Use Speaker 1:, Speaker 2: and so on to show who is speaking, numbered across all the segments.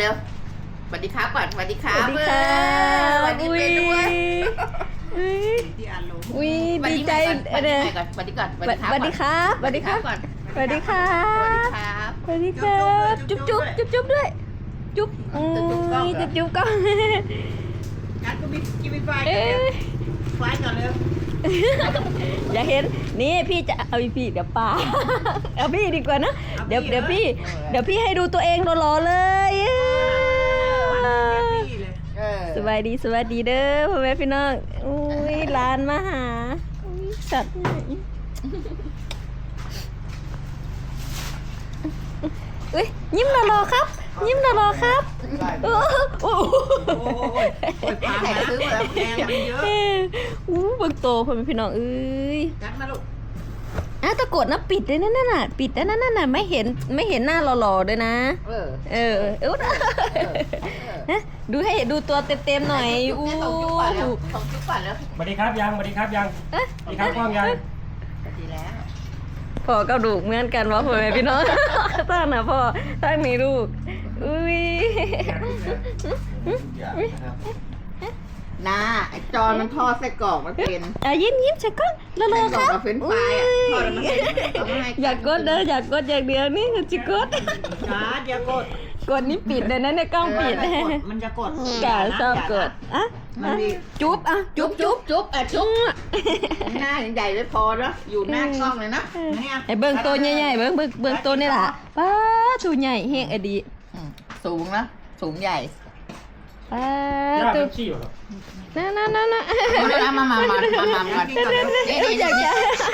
Speaker 1: เร็วสวัสดีครับก่อนสวัสดีครั
Speaker 2: ส
Speaker 1: บ
Speaker 2: วัสดีค่ะ
Speaker 1: สวัสดีเป็นด้วย
Speaker 2: อุ้ยดีใจ
Speaker 1: สวัสดีก่อนสวัสดีก่อน
Speaker 2: สวัสดีครับสวัสดีครับ
Speaker 1: ก่อน
Speaker 2: สวัสดีครั
Speaker 1: สวัสดี
Speaker 2: บ
Speaker 1: ครับ
Speaker 2: สวัสดีครับจุ๊บจุ๊บจุ๊บจุ๊บด้วยจุ๊บจะจุ๊บก็
Speaker 3: งั้นก็กินไฟ
Speaker 2: เอ๊ะ
Speaker 3: ไฟก่อนเลย
Speaker 2: อย่าเห็นนี่พี่จะเอาพี่เดี๋ยวป้าเอาพี่ดีกว่านะเดี๋ยวพี่ให้ดูตัวเองหล่อๆเลยสวัสดีเด้อพ่อแม่พี่น้องอุ้ยหลานมาหาอุ้ยสัตว์อุ้ยยิ้มหล่อๆครับ ยิ้มหล่อๆครับโอ้โห
Speaker 3: ปลามาซื้อมาแล้วแพงมันเยอะ
Speaker 2: เบิ่งโตพ่อแม่พี่น้องเอ้ย
Speaker 3: กัดมาลูก
Speaker 2: ตะกดนะปิดเลยนั่นน่ะปิดแล้วนั่นน่ะไม่เห็นหน้าหล่อๆด้วยนะดูให้ดูตัวเต็มๆหน่อยอู้
Speaker 1: ส่งจุ๊บก่อนแล้ว
Speaker 4: สวัสดีครับยังสวัสดีครับยังสวัสดีครับกล้องยัง
Speaker 1: สวัสดีแล้ว
Speaker 2: พ่อกระดูกเหมือนกันวะพ่อแม่พี่น้องตั้งนะพ่อตั้งนี่ลูกอุ้ย
Speaker 1: น้าไอจอนมันทอดไส้กรอกมันเป็น
Speaker 2: ยิ้มฉันก็ละเล
Speaker 1: ไส้
Speaker 2: อก
Speaker 1: รอก
Speaker 2: ครับ
Speaker 1: กับเฟรนช์ฟรายทอดแล้วมันเป็น
Speaker 2: อยากกดเด้ออยากกดอย่างเดียวนี่จิกด
Speaker 3: กัดอย่ากด
Speaker 2: กดนี่ปิดเลยนะในกล้องปิด
Speaker 3: มันจะกด
Speaker 2: กาชอบกดจุ๊บจุ๊บ
Speaker 1: จุ๊บจุ๊บหน้าใหญ่ไม่พอแล้วอยู่หน้ากล้องเลยนะ
Speaker 2: ไอ้เบิ้งตัวใหญ่ๆเบิ้งตัวนี่แหละป้าตัวใหญ่เฮงอดี
Speaker 1: สูงนะสูงใหญ่
Speaker 2: ป้า
Speaker 4: ย่า
Speaker 2: ตัว
Speaker 4: เป็นขี้เหรอ
Speaker 2: นั่น
Speaker 1: มา
Speaker 2: อยากจะ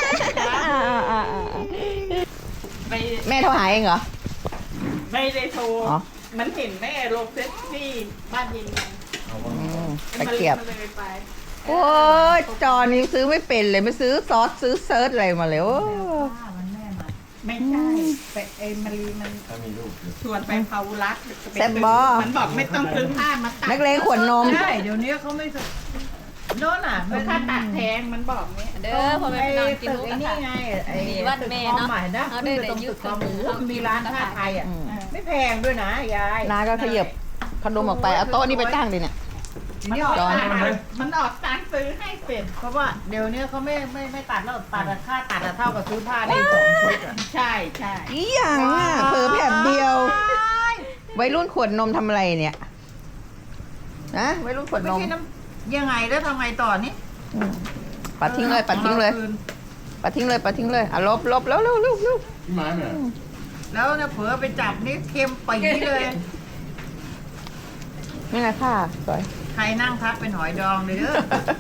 Speaker 1: แม่โทรหาเองเหรอ
Speaker 3: ไม่ได้โทร
Speaker 1: อ๋อ
Speaker 3: มันเห็นแม่ลงเฟซที่บ้านยิน
Speaker 1: ตะเกียบ
Speaker 3: มันเลยไป
Speaker 1: โอ้ยจอนี้ซื้อไม่เป็นเลยไม่ซื้อซอสซื้อเซิร์ชอะไรมาเลยโอ้
Speaker 3: มันแม่มาไม่ใช่ไปไอ้มารีมันชวนไปพาวุรักมันบอกไม่ต้องซื้อผ้ามาตัด
Speaker 1: นักเลงขวดนม
Speaker 3: ใช่เดี๋ยวนี้เขาไม่โน่นน่ะมันค่าตัดแพงมันบอกนี้
Speaker 2: เด้อพ่อแม่พี่น้องกิน
Speaker 3: ตึก
Speaker 2: หมูกระ
Speaker 3: ไอ้นี่
Speaker 2: ทะ
Speaker 3: ไงไอ้
Speaker 2: มีวัดแม่เนาะ
Speaker 3: ใหม่นะ
Speaker 2: เขาได้
Speaker 3: ขึ้นไปตรง
Speaker 2: ได้ยุ
Speaker 3: ตึ
Speaker 2: ค
Speaker 3: กคอหมู
Speaker 2: เขามี
Speaker 3: มีร้านผ้าไทยอ่ะ
Speaker 1: อืม
Speaker 3: ไม่แพงด้วยนะยาย
Speaker 1: น้าก็ขยับขนมออกไปเอาโต๊ะนี่ไปตั้งดิเนี่ย
Speaker 3: มันออก
Speaker 1: จอน
Speaker 3: มันออกตังค์ซื้อให้เป็ดเพราะว่าเดี๋ยวนี้เขาไม่ตัดแล้วตัดอะค่าตัดอะเท่ากับซื้อผ้าได้2 ชุดอะใช่ใช่
Speaker 1: อีหยังอ่ะเผลอแบบเดียววัยรุ่นขวดนมทำอะไรเนี่ยนะวัยรุ่นขวด
Speaker 3: ไม่
Speaker 1: นม
Speaker 3: ใช่น้ำยังไงแล้วทำไงต่อนี่
Speaker 1: ปัดทิ้งเลยปัดทิ้งเลยปัดทิ้งเลยปัดทิ้งเลยอ่ะลบแล้วเร็ว
Speaker 4: พี่ไม้เนี่ย
Speaker 3: แล้วเนี่ยเผลอไปจับนี่เค็มปีเลย
Speaker 1: นี่ไงค่ะสวย
Speaker 3: ใครนั่งทักเป็นหอยดองเลยเด้อ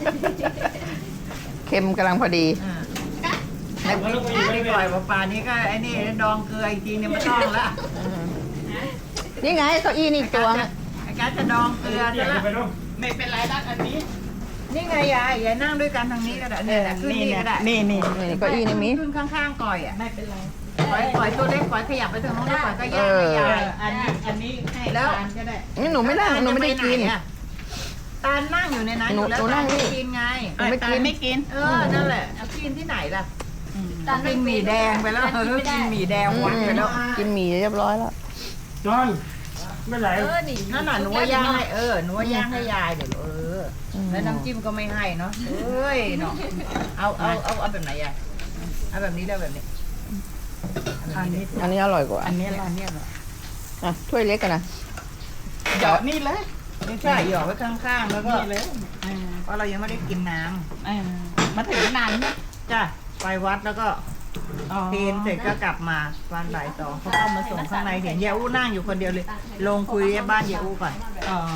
Speaker 1: เค็มกำลังพอดี
Speaker 3: ไม่ปล่อยปลานี้ก็ไอ้นี่ดองเกลืออีกทีเนี่ยไม่ต้องละ
Speaker 1: นี่ไงเก้าอี้นี่อีกตัวนึง
Speaker 3: ไอ้การจะดองเกลือ
Speaker 4: เดี๋
Speaker 3: จะ
Speaker 4: ยว
Speaker 3: ละ
Speaker 4: ไปดู
Speaker 3: ไม่เป็นไรดักอันนี้ นี่ไงยายนั่งด้วยกันทางนี้ก็ได้เนี่ยขึ้นนี่ก็ได้นี่
Speaker 1: นี่เก้าอี้นี่มี
Speaker 3: ขึ้นข้างๆก่อยอ่ะไม่เป็นไรก่อยตัวเล็กก่อยขยับไปทางโน้นแล้วก่อยก็แยกให้ยายอันนี้ให้แล้วก็ได้
Speaker 1: นี่หนูไม่นั่งหนูไม่ได้กิน
Speaker 3: ตาลนั่งอยู่ในนั้นอยู่แล้ว
Speaker 1: หนูนั่
Speaker 3: ตาง ล
Speaker 1: นี่
Speaker 3: ไม่กินไง
Speaker 1: หนูไม่กิน
Speaker 3: ตาลไม่กินนั่นแหละกินที่ไหนล่ะกินหมี่แดงไปแล้วกินหมี่แดงวันไปแล้ว
Speaker 1: กินหมี่เรียบร้อยแล้ว
Speaker 4: จอนไม่ไหล
Speaker 3: นั่นน่ะหนูว่าย่างให้หนูว่าย่างให้ยายเดี๋ยวแล้วน้ำจิ้มก็ไม่ให้เนาะเอ้ยเนาะเอาแบบไหนอ่ะเอาแบบนี้แล้วแบบนี้อันนี้
Speaker 1: อันนี้อร่อยกว่า
Speaker 3: อันนี้อันนี้
Speaker 1: อ่ะถ้วยเล็กกันนะ
Speaker 3: หยอดนี่เลยไม่ใช่หยอดไว้ข้างๆแล้วก็เพราะเรายังไม่ได้กินน้ำมาถึงนานเนี่ยจ้ะไปวัดแล้วก็เพลเสร็จก็กลับมาวันบ่าย2เขาเข้ามาส่งข้างในเห็นยายอู้นั่งอยู่คนเดียวเลย ลงคุยบ้านยายอู้ก่อนอ๋อ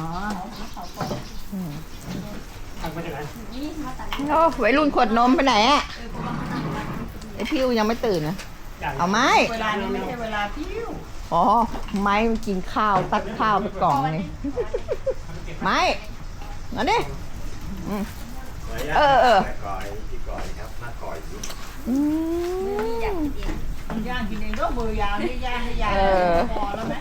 Speaker 4: ทำไปจากไหน
Speaker 1: โอ้วัยรุ่นขวดนมไปไหนอ่ะไอพิวยังไม่ตื่นนะเอาไหม
Speaker 3: เวลานี้ไม่ใช่เวลาพิ้ว
Speaker 1: อ๋อไม้มันกินข้าวตักข้าวไปกล่องนี่ไม้เอาดิเออ
Speaker 4: ก่อยพี่ก่อยครับหน้าก่อยสิ
Speaker 3: ย่างกินเองก็มือยาวนี่ย่างให้ยายพอแล้วไหม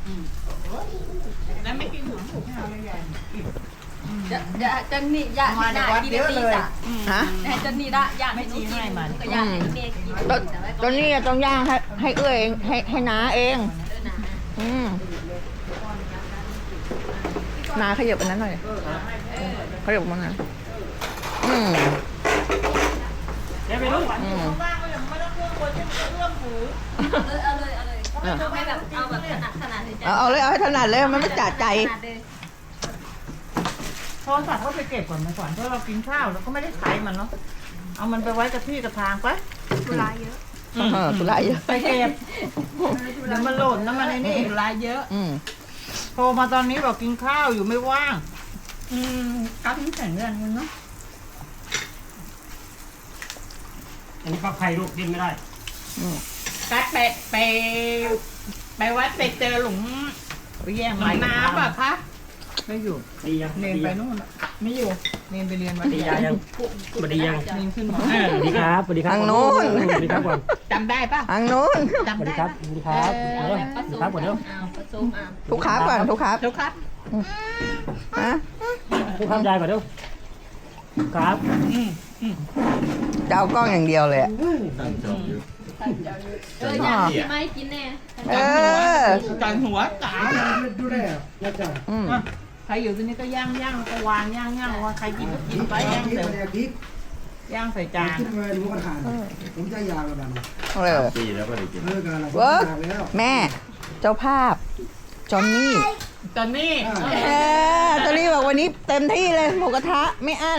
Speaker 3: แล้วไม่กินถุงถุงไม่เอาเลยยาย
Speaker 2: จันนี่อยาก
Speaker 3: มาจากวัดเยอะเลย
Speaker 1: ฮะ
Speaker 2: จันนี่ละอยาก
Speaker 3: ไม่ชี้ให้มัน
Speaker 2: ก็อยากให้เมย์กิน
Speaker 1: ตอนนี้ต้องย่างให้เอื้อเองให้น้าเองนาขยับอันนั้นหน่อยขยับมาหน่อย
Speaker 3: ว่างก็ยังไม่ต้องเครื่องคนยังเครื่องถือ
Speaker 2: เอาเลยให้แบบเอาแบบขนาดเลยจ้ะ
Speaker 1: เอาเลยเอาให้ถนัดเลยมันไม่จัดใจ
Speaker 3: โทรศัพท์ก็ไปเก็บก่อนมาก่อนเพราะเรากินข้าวเราก็ไม่ได้ใช้มันเนาะเอามันไปไว้กับที่กับทางไป
Speaker 1: ตุลาเยอะ
Speaker 3: ไปเก็บเดี๋ยวมันหล่นแล้วมันไอ้นี่รายเยอะโทรมาตอนนี้บอกกินข้าวอยู่ไม่ว่างกัดนี่แข็งแรงกันเนาะ
Speaker 4: อันนี้ฟักไข่ลูกดิ้นไม่ได้
Speaker 3: กัดไปวัดไปเจอหลุมแย่งน้ำอ่ะคะไม่อยู่
Speaker 4: ดียัง
Speaker 3: เนนไปนู่นไม่อยู่เนนไปเรียนมา
Speaker 4: ดียังมาดียัง
Speaker 3: เนนขึ้นมา
Speaker 4: สวัสดีครับสวัสดีครับ
Speaker 1: ทางโน้น
Speaker 4: สวัสดีครับก่อน
Speaker 3: จำได้ปะ
Speaker 1: ทางโน้น
Speaker 4: สวัสดีครับสวัสดีครับสวัสดีครับก่อนเร็ว
Speaker 2: ผสม
Speaker 1: ทุกครับก่อนทุกครับ
Speaker 3: ทุกครับ
Speaker 1: ฮะ
Speaker 4: ทุกครับยายก่อนเร็วครับ
Speaker 1: จะเอากล้องอย่างเดียวเลยอะ
Speaker 2: อยากกินไหมกินแน่
Speaker 3: จังหัวจ๋า
Speaker 4: ดูได้ยายจ๋า
Speaker 3: ใครอยู่ที่นี่ก็ย่างก็วางย่างว่าใครกินก็กินไปย่างเสร็จย่างใส่จาน
Speaker 5: ขึ้นมาดูกระถางผมจะยาวแล้วนะ
Speaker 4: ปีแล้วก็ได้กิน
Speaker 5: เลิกกันแล้ว
Speaker 1: เวิร์กแม่เจ้าภาพจอนนี่
Speaker 3: ตอนนี้
Speaker 1: จอนนี่บอกวันนี้เต็มที่เลยหมูกระทะไม่อั้น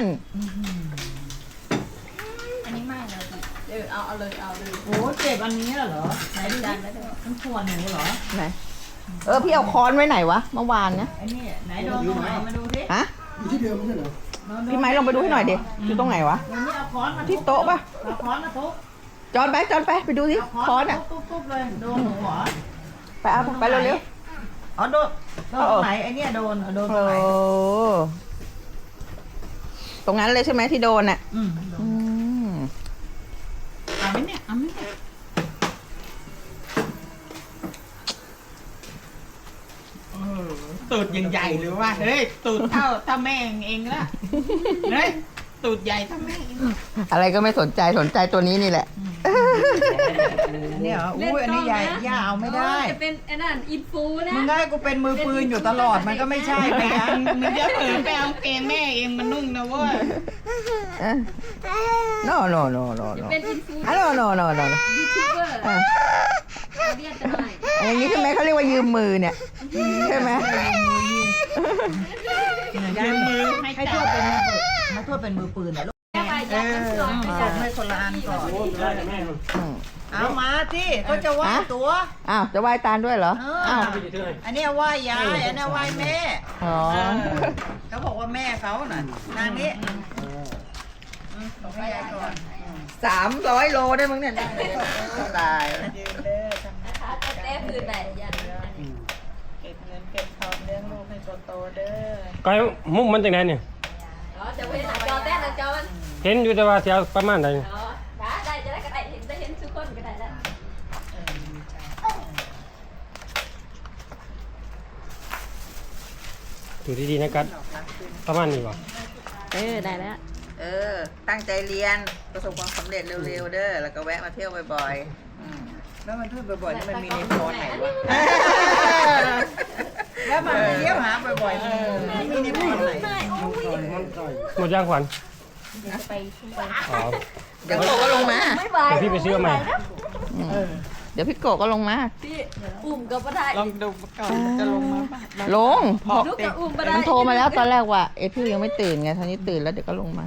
Speaker 2: อันนี้ไม่เลยเอาเลย
Speaker 3: โอ้เจ็บอันนี้เหรอไหนดูดิมันขวนหนูเหรอ
Speaker 1: ไหนพี่เอาค้อนไว้ไหนวะเมื่อวานเนี่ย
Speaker 3: ไอ้นี่ไหนโดนตรงไหนมาดูสิ
Speaker 1: ฮะ
Speaker 5: อยู่ที่เดิมไม่ใช่เหรอ
Speaker 1: พี่ไม้ลองไปดูให้หน่อยดิอยู่ตรงไหนวะ
Speaker 3: วันนี้เอาค้อนมา
Speaker 1: ที่โต๊ะปะ
Speaker 3: เอาค้อนมาทุบ
Speaker 1: จอนไปไปดูสิ
Speaker 3: เอา
Speaker 1: ค้อนอ่ะ
Speaker 3: ทุบเลยโดนหนูเหรอ
Speaker 1: ไปเอาไปเร็ว
Speaker 3: อ๋อโดนตรงไหนไอ้เนี่ยโดนโดน
Speaker 1: ๆ
Speaker 3: ตรงไหน
Speaker 1: ตรงนั้นเลยใช่ไหมที่โดนอ่ะ
Speaker 3: อืม
Speaker 1: ม
Speaker 3: เอาไหมเนี่ยเอาไหมเนี่ยตูดยังใหญ่หรือว่าเฮ้ยตูดเท่าแม่เองละเฮ้ยตูดใหญ่เท่าแม่เอง
Speaker 1: อะไรก็ไม่สนใจตัวนี้นี่แหละ
Speaker 3: เนี่ยอุ้ยอันนี้ใหญ่ย่าเอาไม่ได้
Speaker 2: จะเป็นไอ้นั่นอินฟูนะ
Speaker 3: มึงให้กูเป็นมือปืนอยู่ตลอดมันก็ไม่ใช่ไปยังมึงจะเผลอไปเอาเกงแม่เองมันนุ่งนะเว้ย
Speaker 1: no
Speaker 2: เป็นอินฟู
Speaker 1: no
Speaker 2: ยูทูบเบอร์เรียกจะหน่อย
Speaker 1: อย่างนี้ใช่ไหมเขาเรียกว่ายืมมือเนี่ยใช่ไหม
Speaker 3: ยืมมือให้ทวดเป็นมือปืนให้ทวดเป็นมือปืนนะลูก
Speaker 2: ไปยัดน้ำสอง
Speaker 3: ส่งให้คนละอันก่อน
Speaker 4: ได้แม่
Speaker 3: เอามาที่เขาจะไหว้ตัว
Speaker 1: อ้าวจะไหว้ตาลด้วยเหรออ้าว
Speaker 3: อันนี้ไหว้ยายอันนี้ไหว้แม่
Speaker 1: อ๋อ
Speaker 3: เขาบอกว่าแม่เขาน่ะนางนี้ส่งให้ยายก่อน
Speaker 1: 300 โลได้มั้งเนี่ยตาย
Speaker 3: ยืนเด้อ
Speaker 2: นะคะจะแก้พื้นไหนยัน
Speaker 3: เก็บเงินเก็บทองเลี้ยงลูกให้โตๆเด้อ
Speaker 4: ก้อยมุกมันจากไหนเนี่ย
Speaker 2: อ๋อจะเว้นหน้าจอแต้หน้าจอมัน
Speaker 4: เห็นอยู่แต่ว่าเสียประมาณไหน
Speaker 2: อ๋อได้จะได้ก็ได้เห็นทุกคนก็ได้แล้ว
Speaker 4: ดูดีๆนะกัดประมาณนี้ป่ะ
Speaker 2: ได้แล้ว
Speaker 1: ตั้งใจเรียนประสบความสำเร็จเร็วๆเด้อแล้วก็แวะมาเที่ยวบ่อย
Speaker 3: แล้วมันพูดบ่อยๆนี่มันมีในโพสไหนวะแล้วมันเลี้ยวหาบ่อยๆมันมีในโพสไหน
Speaker 4: หมดย่างขวัญอ๋อ
Speaker 1: ๆเดี๋ยวพี่โกก็ลงมา
Speaker 2: ไม่ไหว
Speaker 4: เดี๋ยวพี่ไปซื้อใหม่
Speaker 1: เดี๋ยวพี่โกก็ลงมา
Speaker 2: พี่อุ้มก็ไม่ได้
Speaker 3: ลองดูก่อนจะลงมาป่ะ
Speaker 1: ลงพอ
Speaker 2: ลูกกับอุ้มไม่ได้
Speaker 1: มันโทรมาแล้วตอนแรกว่าพี่ยังไม่ตื่นไงตอนนี้ตื่นแล้วเดี๋ยวก็ลงมา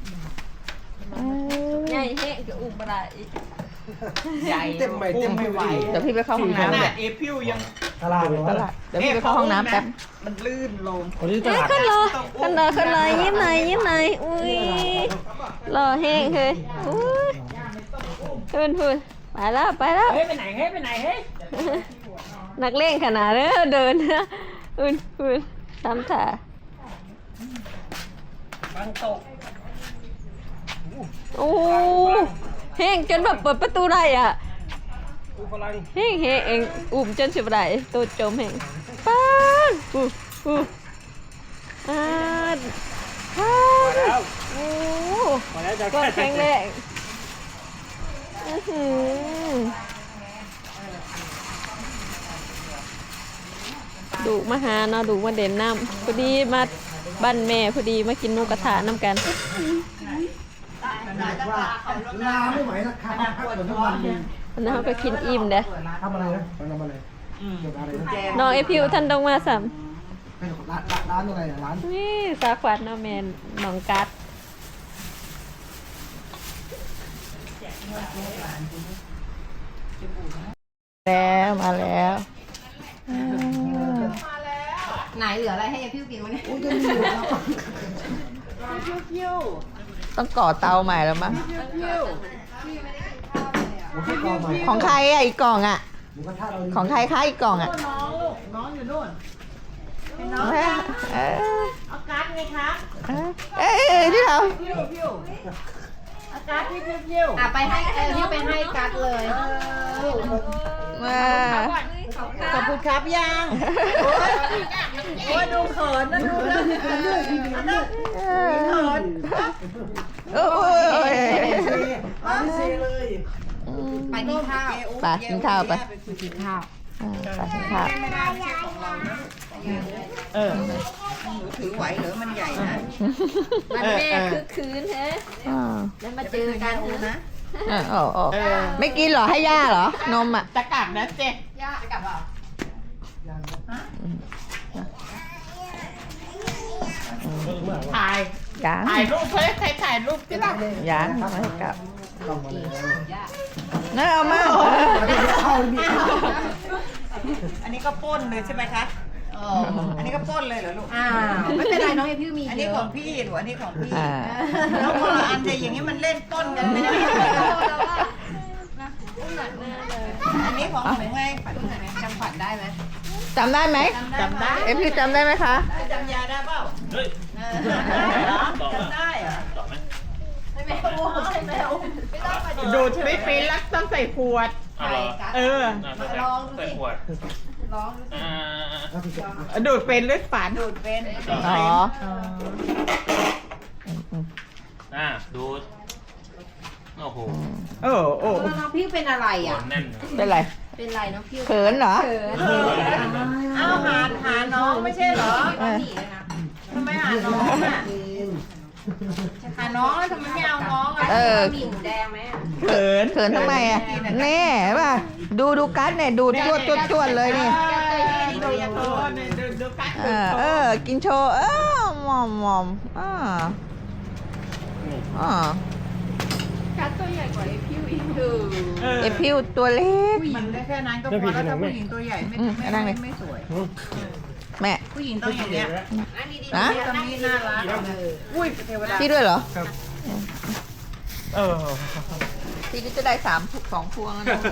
Speaker 2: ใหญ่แห้งกับอุ้มไม่ได้
Speaker 3: ใหญ่เต็มไม่ไหว
Speaker 1: เดี๋ยวพี่ไปเข้าห้อง
Speaker 3: ข
Speaker 1: น้ำ
Speaker 3: นา
Speaker 1: เดี๋
Speaker 3: ดเอพิวยัง
Speaker 4: ตลาด
Speaker 1: เดี๋ยวพี่ไปเข้าห้องน้ำแป๊บ
Speaker 3: มันลื่นลง
Speaker 4: คนที่ต
Speaker 2: เอ้ย
Speaker 4: ลาด
Speaker 2: ขึ้นเลยยิ้มหน่อยอุ้ยรอแห้งเลยอุ้ยขึ้นไปแล้ว
Speaker 3: เฮ้ยไปไหนเฮ้ยไปไหนเฮ้ย
Speaker 2: นักเล่นขนาดนี้เดินนะอุ่นทำถ่า
Speaker 3: บางตก
Speaker 2: โอ้แห้งจนแบบเปิดประตูได้อ่ะ
Speaker 4: อุปลัง
Speaker 2: แห้งเองอุ่มจนสิบได้ตัวจมแห้งป้าอ่าโอ้
Speaker 4: มาแล้วจะ
Speaker 2: ก็แข็งแรงดูมาหาเนาะดูมาเด่นน้ำพอดีมาบ้านแม่พอดีมากินหมูกระทะน้ำกัน
Speaker 5: ว่าลาไม่ไหวนะขาดพักเหมือนทุกวันเลย
Speaker 2: วันนั้นเขาก็กินอิ่มเด้อ
Speaker 5: ทำอะไรนะทำอะไรเกี่ยวกับอะไรนะ
Speaker 2: น้องไอพิวท่านต้องมาสัม
Speaker 5: ร้านอะไรอ่ะร้าน
Speaker 2: นี่สาขวัญเนาะแม่น้องกัด
Speaker 1: แล้วมาแล้ว
Speaker 6: ไหนเหลืออะไรให้ยายพิ้วกินวะเนี่ย
Speaker 5: โอ้ยจะมีอยู่แล้ว
Speaker 1: ต้องก่อเตาใหม่แล้วมั้ง
Speaker 5: ผมให้กองใหม่
Speaker 1: ของใครอ่ะอีกกล่องอ่ะ
Speaker 5: หมูกระทะเรา
Speaker 1: ของใครคะอีกกล่องอ่ะ
Speaker 3: น้องอยู่นู่น
Speaker 1: เออ
Speaker 3: เอาการ์ดไงคะ
Speaker 1: เอ้ยที่เรา
Speaker 3: พิ้วเอาการ์ดที่พิ้ว
Speaker 6: อ่ะไปให้พิ้วไปให้กัดเลย
Speaker 1: มา
Speaker 3: ขอบคุณครับยังโอ้ยดูเขินนะดูแล้วเขิน
Speaker 1: โอ้ย
Speaker 5: ไม่เซเลย
Speaker 6: ไปกินข้าว
Speaker 1: ไปกินข้าวไป
Speaker 6: กินข้าว
Speaker 1: ไปกินข้าว
Speaker 3: ถือไหวเหรือมันใหญ่นะ
Speaker 2: มันแม่คือคืนแฮะ
Speaker 1: อ่า
Speaker 2: แล้วมาเจอกันนะ
Speaker 1: โอ้โอ้ไม่กินเหรอให้ย่าเหรอ นมอ่ะ
Speaker 3: ตะกักนะเจ๊
Speaker 6: ย่าไปกลับเปล่า
Speaker 3: ถ่าย
Speaker 1: ยัง
Speaker 3: ถ่ายรูปเฮ้ยใครถ่ายรูปที่เรา
Speaker 1: ยังไม่ให้กลับ
Speaker 5: ต้องมาแล้ว
Speaker 1: นั่นเอามา
Speaker 5: เข้ามี
Speaker 3: อันนี้ก็ป้นเลยใช่ไหมคะอันนี้ก็ป้นเลยเหรอลูก
Speaker 6: อ้าวไม่เป็นไรน้องยายพิ้วมี
Speaker 3: อัน
Speaker 6: เย
Speaker 3: นี้
Speaker 6: อะ
Speaker 3: ของพี่หรืออันนี้ของพี่
Speaker 1: อ่า
Speaker 3: แล้วคนละอันแต่อย่างนี้มันเล่นป้นกันไม่ได้อันนี้ของหนูไง
Speaker 6: จำขวัญได้ไหม
Speaker 1: จำได้ไหม
Speaker 3: จำได้
Speaker 1: เอฟพี่จำได้ไหมคะ
Speaker 3: จำยาได้เปล่าจำได้เหรอ
Speaker 6: ไม่แม่โอ้ใช่ไหมโอ้ไม่ต้องมา
Speaker 3: ดูดไม่เป็นรักต้องใส่ขวด
Speaker 6: ถ่ายกัด
Speaker 3: เออ
Speaker 6: ลองดู
Speaker 4: ใส่
Speaker 6: สิ
Speaker 4: ขวด
Speaker 6: ลองดูสิ
Speaker 3: ดูดเป็นหรือฝานดูดเป็น
Speaker 1: อ๋อ
Speaker 4: ดูดโอ้โห
Speaker 3: โอ้โอ้
Speaker 6: น้องพิ้วเป็นอะไรอ่ะ
Speaker 4: แน่น
Speaker 1: เป็นไร
Speaker 6: เป็นไรน้องพิ้ว
Speaker 1: เขินเหรอ
Speaker 3: เอาหาน้องไม่ใช่เหรอ
Speaker 1: เออ
Speaker 6: หนีเลยนะ
Speaker 3: ทำไมหาน้องอ่ะหาน้องแล้วทำไมไม่เอาน้องอ่ะ
Speaker 1: เออ
Speaker 6: มีหมูแดงไหมอะ
Speaker 3: เขิน
Speaker 1: เขินทำไมอ่ะแน่ป่ะดูกัดเนี่ยดูจวดเลยนี่
Speaker 3: ดูยาโทษดูกัด
Speaker 1: กินโชว์มอม
Speaker 2: กัดตัวใหญ่กว่าไอพิวอีก
Speaker 1: เอพิวตัวเล็ก
Speaker 3: ผู้หญิงได้แค่นั้นก็พอแล้วถ้าผู้หญิงตัวใหญ่ไม่สวย
Speaker 1: แม่
Speaker 3: ผู้หญิงต้องอย่างเงี้ย
Speaker 1: นะ
Speaker 3: ตอนนี้น่ารักอุ้ยเทวดา
Speaker 1: พี่ด้วยเหรอ
Speaker 4: เออ
Speaker 1: พี่ก็จะได้2 พวงแล้วนะ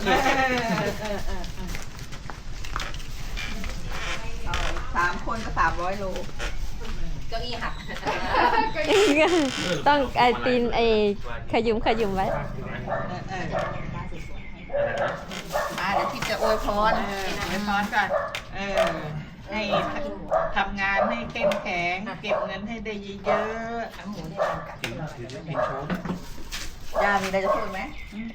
Speaker 1: 3 คนก็300 โล
Speaker 6: เก้าอี้หัก
Speaker 2: ต้องไอตีนไอขยุมไว้
Speaker 1: เดี๋ยวพี่จะอวยพร
Speaker 3: ไปซ้อนก่อนให้ทำงานให้เข้มแข็งเก็บเงินให้ได้เยอะ
Speaker 1: ย่ามีอะไรจะพูดไหม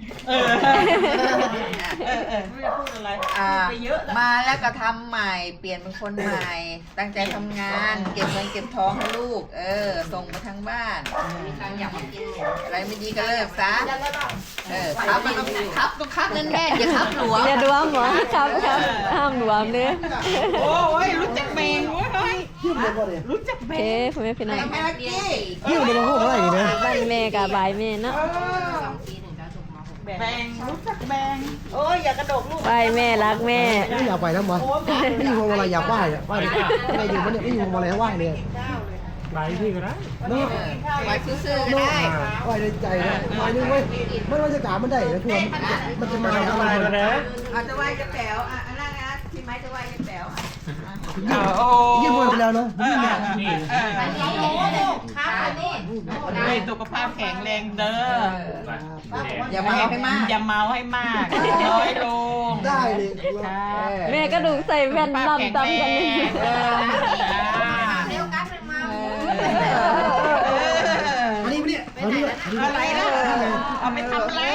Speaker 3: ไม่จะพูดอะไร ไปเยอะ
Speaker 1: มาแล้วก็ทำใหม่ เปลี่ยนเป็นคนใหม่ ตั้งใจทำงาน เก็บเงินเก็บทองให้ลูก ส่งมาทางบ้าน
Speaker 6: มีทางอยากมากินหมู
Speaker 1: อะไรไม่ดีก็เลิกซะ ครับมันต้องครับนั่นแม่อย่าครับหลวง
Speaker 2: อย่าดวมเหรอครับห้ามดวมเด้อ
Speaker 3: โอ้ยรู้จักแมงเว้ย
Speaker 5: ยิ้มเลยก็เลย
Speaker 3: รู้จัก
Speaker 2: โอ
Speaker 3: แม
Speaker 2: เค
Speaker 3: ง
Speaker 2: พ่อแม่พี่น้อง
Speaker 1: แม่กี้
Speaker 5: ยิ้มเลยมาพูดอะไรนี่นะ
Speaker 2: บ้านแม่กับบายแม่เนาะ
Speaker 6: 2 ปีถึงจะจบม
Speaker 3: แมงรู้จักแมงโอ้ยอย่ากระโดดลูก
Speaker 2: บายแม่รักแม่
Speaker 5: ไม่อยากไปนะมั้งไม่อยู่วงอะไรอยากไหว้อะไหว้ดิไม่อยู่มันเนี่ยไม่อยู่วงอะไรไหว้เลย
Speaker 4: ใบพี่ก็ได้
Speaker 5: เนาะ
Speaker 1: ไว้ซื่อๆก็ได้
Speaker 5: ไหว้ในใจนะไหว้นึงเว้ยมันบรรยากาศมันได้นะทัวร์มันจะมาทำอะไร
Speaker 4: มาแล้ว
Speaker 1: อาจจะไหว้กระแป๋วอันนั้นนะพี่ไม้จะไหว้กระแป๋ว
Speaker 5: ยิ้มไปแล้วเนาะยิ้มเนี่ย
Speaker 3: อันนี้ครับอันนี้ให้สุขภาพแข็งแรงเด้อ
Speaker 1: อย่าเมาให้มาก
Speaker 3: อย่าเมาให้มากน้อยลง
Speaker 5: ได้เลย
Speaker 2: แม่ก็ดูใส่แว่นดำกันเลย
Speaker 6: เร็วกัดมันมา
Speaker 5: อันนี้เนี่ยอันนี้
Speaker 3: อะไรนะเอาไปทำอะไร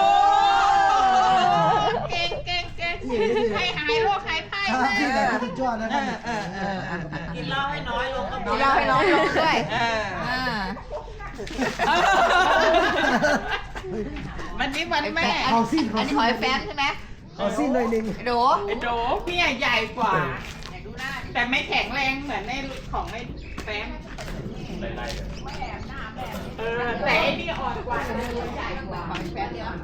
Speaker 3: เก่งให้หายโรคหายภัย
Speaker 5: ที่ไหนที่จ้าอดนะครับ
Speaker 3: กินเหล้าให้น้อยลงก็
Speaker 1: กินเหล้าให้น้อยลงด้วย
Speaker 3: วันนี้วันแม่
Speaker 5: เอาสิ้น
Speaker 1: อันนี้หอยแฟนใช่ไหม
Speaker 5: เอาสิ้นหน่อยหนึง
Speaker 1: ไอ้โด
Speaker 3: ไอ้โดพี่ใหญ่กว่า แต่ไม่แข็งแรงเหมือนในของไอ้แฟม
Speaker 4: ไล่ๆกัน
Speaker 3: แต่ไอ้นี่อ่อนกว่าใหญ่กว่า
Speaker 1: หอยแฟนเนี่ย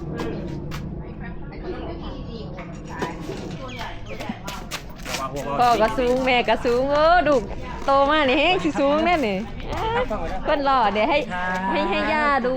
Speaker 2: พ่อก็สูงแม่ก็สูงดูโตมานี่แฮงสิสูงแน่นี่เพิ่นหล่อเดี๋ยวให้ย่าดู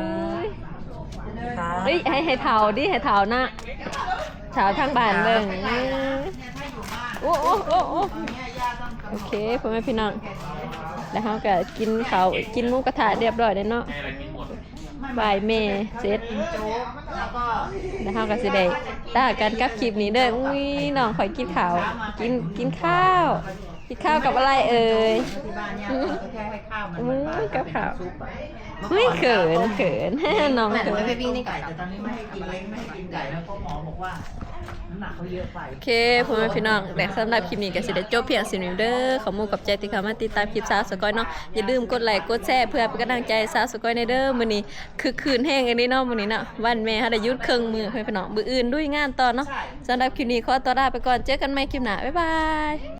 Speaker 2: เฮ้ยให้เฒ่าดิให้เฒ่านะเฒ่าทางบ้านเบิ่งโอ้โอเคพ่อแม่พี่น้องแล้วเฮาก็กินข้าวกินหมูกระทะเรียบร้อยแล้วเนาะ
Speaker 4: ให้อะไรกินหมด
Speaker 2: บ่ายแม่เสร็จ
Speaker 3: แล้วก็
Speaker 2: แล้วเฮาก็สิได้ตากันกับคลิปนี้เด้ออุ้ยน้องข่อยกินข้าวกินข้าวกินข้าวกับอะไรเอ่ย
Speaker 3: ที่บ้านเนี่ยก็แค่ให้ข้าวมัน
Speaker 2: อุ้ยกับข้าวอุ้ยเขิน น้อง
Speaker 1: แม่
Speaker 2: เขิน
Speaker 1: ไปวิ่งในไก่
Speaker 3: แต่ตอนนี้ไม่ให้กินเล้งไม่ให้กินไก่แล้วเพราะหมอบอกว่าน้ำหนักเขาเยอะไป
Speaker 2: โอเคพ่อแม่พี่น้องและสำหรับคลิปนี้ก็สิได้จบเพียงสิ่นี้เด้อขอมูกับใจที่เข้ามาติดตามคลิปสาวสกอยเนาะอย่าลืมกดไลค์กดแชร์เพื่อเป็นกำลังใจสาวสกอยในเด้อมื้อนี้คือคืนแห้งอันนี้เนาะมื้อนี้เนาะวันแม่เฮาได้หยุดครึ่งมื้อเพื่อนพี่น้องมื้ออื่นด้วยงานต่อเนาะสำหรับคลิปนี้ขอตัวลาไปก่อนเจอกันใหม่คลิปหน้าบ๊ายบาย